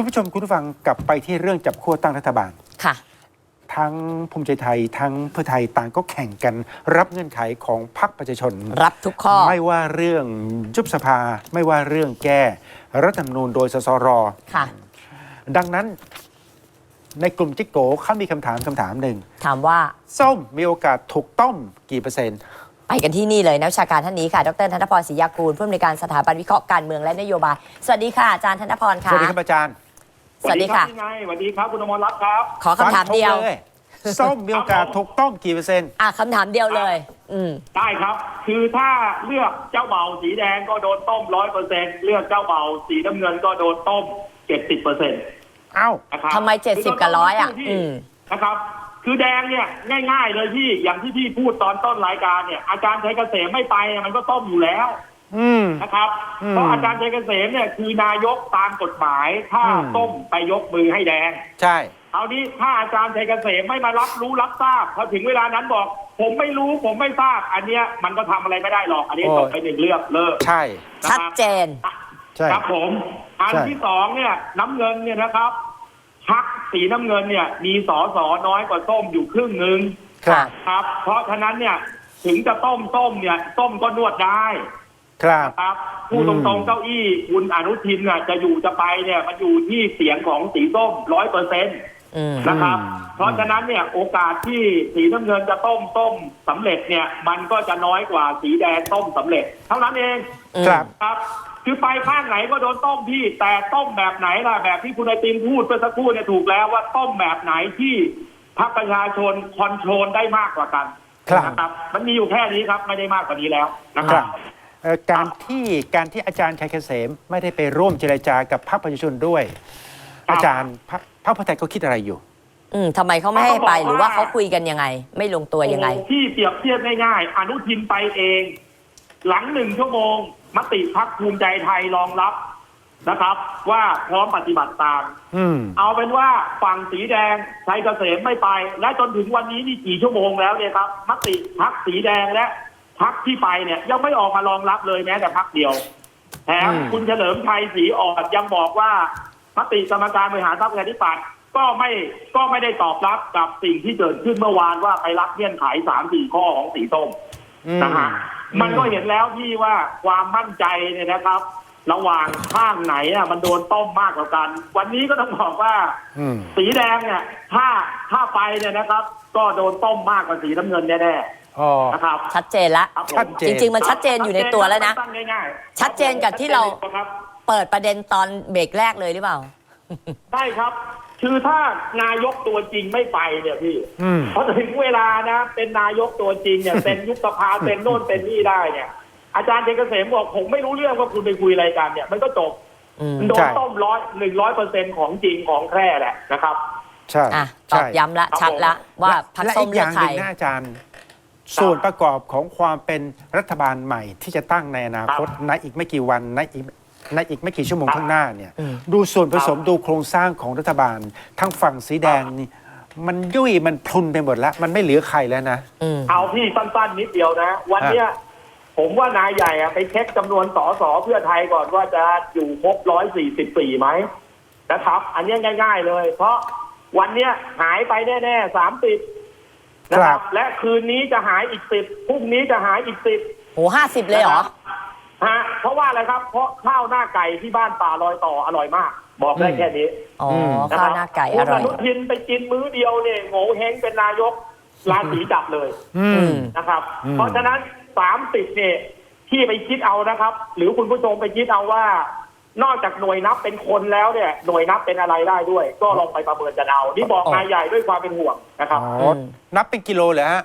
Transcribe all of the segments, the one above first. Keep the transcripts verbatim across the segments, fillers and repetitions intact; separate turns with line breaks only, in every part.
คุณผู้ชมคุณผู้ฟังกลับไปที่เรื่องจับขั้วตั้งรัฐบาล
ค่ะ
ทั้งภูมิใจไทยทั้งเพื่อไทยต่างก็แข่งกันรับเงื่อนไขของพรรคประชาชน
รับทุกข้อ
ไม่ว่าเรื่องยุบสภาไม่ว่าเรื่องแก้รัฐธรรมนูญโดยสสร
ค่ะ
ดังนั้นในกลุ่มจิ๊กโกเขามีคำถามคำถามหนึ่ง
ถามว่า
ส้มมีโอกาสถูกต้มกี่เปอร์เซ็นต์
ไปกันที่นี่เลยนักวิชาการท่านนี้ค่ะดรธนพรศรียากูลผู้อำนวยการสถาบันวิเคราะห์การเมืองและนโยบายสวัสดีค่ะอาจารย์ธนพรค่ะ
สวัสดีครับอาจารย์
สวัสดีค่ะ
สวัสดีครับคุณอมรรัตน์ครับ
ขอคำถามเดียว
ส้มมีโอกาสถูกต้มกี่เปอร์เซ็นต์
อ่ะคำถามเดียวเลยอืม
ได้ครับคือถ้าเลือกเจ้าเบ่าสีแดงก็โดนต้มร้อยเปอร์เซ็นต์เลือกเจ้าเบ่าสีน้ำเงินก็โดนต้มเจ็ดสิบเปอร์เซ็นต์
เอ้า
ทำไมเจ็ดสิบกับร้อยอ่ะอืม
นะครับคือแดงเนี่ยง่ายๆเลยพี่อย่างที่พี่พูดตอนต้นรายการเนี่ยอาจารย์ชัยเกษมไม่ไปมันก็ต้มอยู่แล้วนะครับเพราะอาจารย์ชัยเกษมเนี่ยคือนายกตามกฎหมายถ้าต้มไปยกมือให้แดง
ใช่
เอานี้ถ้าอาจารย์ชัยเกษมไม่มารับรู้รับทราบพอถึงเวลานั้นบอกผมไม่รู้ผมไม่ทราบอันเนี้ยมันก็ทำอะไรไม่ได้หรอกอันนี้จบไปหนึ่งเรื่องเลิก
ใช่
ชัดเจน
ครับผมอันที่สองเนี่ยน้ำเงินเนี่ยนะครับพรรคสีน้ำเงินเนี่ยมีสสน้อยกว่าส้มอยู่ครึ่งหนึ่งครับเพราะฉะนั้นเนี่ยถึงจะต้มต้มเนี่ยต้มก็นวดได้
ครับ
ครับผู้ตรงๆเก้าอี้คุณอนุทินเนี่ยจะอยู่จะไปเนี่ยมันอยู่ที่เสียงของสีส้มร้อยเปอร์เซ็นต์นะครับเพราะฉะนั้นเนี่ยโอกาสที่สีน้ำเงินจะต้มต้มสำเร็จเนี่ยมันก็จะน้อยกว่าสีแดงต้มสำเร็จเท่านั้นเอง
ครับ
ครับคือไปข้างไหนก็โดนต้มพี่แต่ต้มแบบไหนล่ะแบบที่คุณไอติมพูดเมื่อสักครู่เนี่ยถูกแล้วว่าต้มแบบไหนที่พรรคประชาชนคอนโทรลได้มากกว่ากันนะครับมันมีอยู่แค่นี้ครับไม่ได้มากกว่านี้แล้วนะครับ
การที่การที่อาจารย์ชัยเกษมไม่ได้ไปร่วมเจรจากับพรรคประชาชนด้วยอาจารย์พรรคพรรคเพื่อไทยเขาคิดอะไรอยู่
อืมทำไมเขาไม่ให้ไปหรือว่าเขาคุยกันยังไงไม่ลงตัวยังไง
ที่เปรียบเทียบง่ายๆอนุทินไปเองหลังหนึ่งชั่วโมงมติพรรคภูมิใจไทยรองรับนะครับว่าพร้อมปฏิบัติตามเอาเป็นว่าฝั่งสีแดงชัยเกษมไม่ไปและจนถึงวันนี้นี่กี่ชั่วโมงแล้วเนี่ยครับมติพรรคสีแดงและพรรคที่ไปเนี่ยยังไม่ออกมารองรับเลยแม้แต่พรรคเดียวแถมคุณเฉลิมชัยศรีอ่อนยังบอกว่ามติกรรมการบริหารพรรคประชาธิปัตย์ก็ไม่ก็ไม่ได้ตอบรับกับสิ่งที่เกิดขึ้นเมื่อวานว่าไปรับเงื่อนไขสามสี่ข้อของสีส้มนะฮะมันก็เห็นแล้วที่ว่าความมั่นใจเนี่ยนะครับระหว่างข้างไหนอ่ะมันโดนต้มมากกว่ากันวันนี้ก็ต้องบอกว่าสีแดงเนี่ยถ้าถ้าไปเนี่ยนะครับก็โดนต้มมากกว่าสีน้ำเงินแน่ๆนะครับ
ชัดเจนละจริงๆมันชัดเจนอยู่ในตัวแล้วนะชัดเจนกับที่เราเปิดประเด็นตอนเบรกแรกเลยหรือเปล่า
ใช่ครับคือถ้านายกตัวจริงไม่ไปเนี่ยพี่พอถึงเวลานะเป็นนายกตัวจริงเนี่ยเป็นยุบสภาเป็นโน่นเป็นนี่ได้เนี่ยอาจารย์ชัยเกษมบอกผมไม่รู้เรื่องว่าคุณไปคุยอะไรกันเนี่ยมันก็จบโดนต้มร้อยหนึ่งร้อยเปอร์เซ็นต์ของจริงของแท้แหละนะครับ
ใช่
ตอบย้ำละชัดละว่าพรรคส้มเลือกใคร
อาจารย์ส่วนประกอบของความเป็นรัฐบาลใหม่ที่จะตั้งในอนาคตในอีกไม่กี่วันในอีกในอีกไม่กี่ชั่วโมงข้างหน้าเนี่ยดูส่วนผสมดูโครงสร้างของรัฐบาลทั้งฝั่งสีแดงนี่มันยุ่ยมันพลุนไปหมดแล้วมันไม่เหลือใครแล้วนะ
เอาพี่สั้นๆนิดเดียวนะวันเนี้ยผมว่านายใหญ่ไปเช็คจำนวนสสเพื่อไทยก่อนว่าจะอยู่ครบร้อยสี่สิบสี่ไหมนะครับอันนี้ง่ายๆเลยเพราะวันเนี้ยหายไปแน่ๆสามสิบนะครับและคืนนี้จะหายอีกสิบพรุ่งนี้จะหายอีกสิบ
โอ้ห้าสิบเลยเหรอ
ฮะเพราะว่าอะไรครับเพราะข้าวหน้าไก่ที่บ้านป่าลอยต่ออร่อยมากบอกได้แค่นี้
อ๋อข้าวหน้าไก่อร่อย
คุณอนุทินไปกินมื้อเดียวเนี่ยโง่เฮงเป็นนายกราศีจับเลยนะครับเพราะฉะนั้นสามสิบเนี่ยที่ไปคิดเอานะครับหรือคุณผู้ชมไปคิดเอาว่านอกจากหน่วยนับเป็นคนแล้วเนี่ยหน่วยนับเป็นอะไรได้ด้วยก็ลองไปประเมินกันเอานี่บอกนายใหญ่ด้วยความเป็นห่วงนะครับ
นับเป็นกิโลเหรอฮะ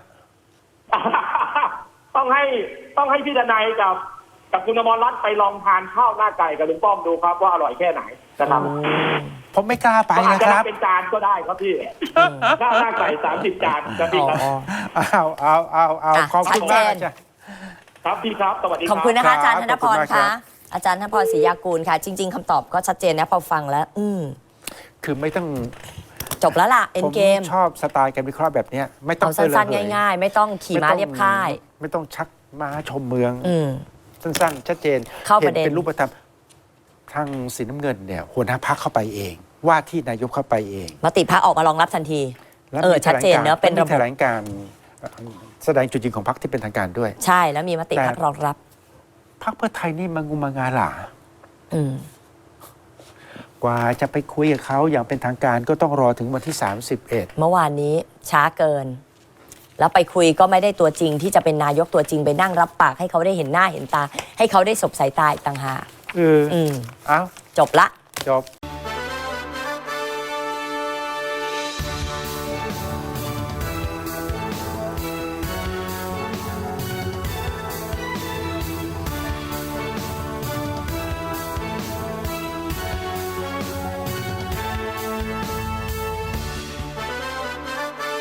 ต้องให้ต้องให้พี่ดนัยกับกับคุณอมรรัตน์ไปลองทานข้าวหน้าไก่กับลุงป้อมดูครับว่าอร่อยแค่ไหนนะครับ
ผมไม่กล้าไปนะครับ
เป็นจานก็ได้ครับพี่ข้าวหน้าไก่สามสิบจานครับพี่ครับ
เอาเอาเอาเอาขอบคุณมากจ้ะ
ครับพี่ครับสวัสดีครับ
ขอบคุณนะคะอาจารย์ธนพรค่ะอาจารย์ธนพรศรียากูลค่ะจริงๆคำตอบก็ชัดเจนนะพอฟังแล้วอืม
คือไม่ต้อง
จบแล้วล่ะเอ็นเกม
ชอบสไตล์การวิเคราะห์แบบนี้ไม่ต้อง
สั้นๆง่ายๆไม่ต้องขี่ม้าเรียบค่าย
ไม่ต้องชักม้าชมเมือง
อื
สั้นๆชัดเจน
เข้าประเด็น
เป็นรูปธรรมทางสีน้ำเงินเนี่ยหัวหน้าพรรคเข้าไปเองว่าที่นายกเข้าไปเอง
มติพรรคออกมารองรับทันที
และ
เออ
มี
ชัดเจนเนอะเป็นระบบ
มีแถลงการแสดงจุดยืนของพรรคที่เป็นทางการด้วย
ใช่แล้วมีมติพรรครองรับ
พรรคเพื่อไทยนี่มันงุมมางาหลา
อืม
กว่าจะไปคุยกับเขาอย่างเป็นทางการก็ต้องรอถึงวันที่ สามสิบเอ็ด
เมื่อวานนี้ช้าเกิน แล้วไปคุยก็ไม่ได้ตัวจริงที่จะเป็นนายกตัวจริงไปนั่งรับปากให้เขาได้เห็นหน้าเห็นตา ให้เขาได้สบสายตาอีกต่างหาก
เออ
อืม
เอ้า
จบละ
จบ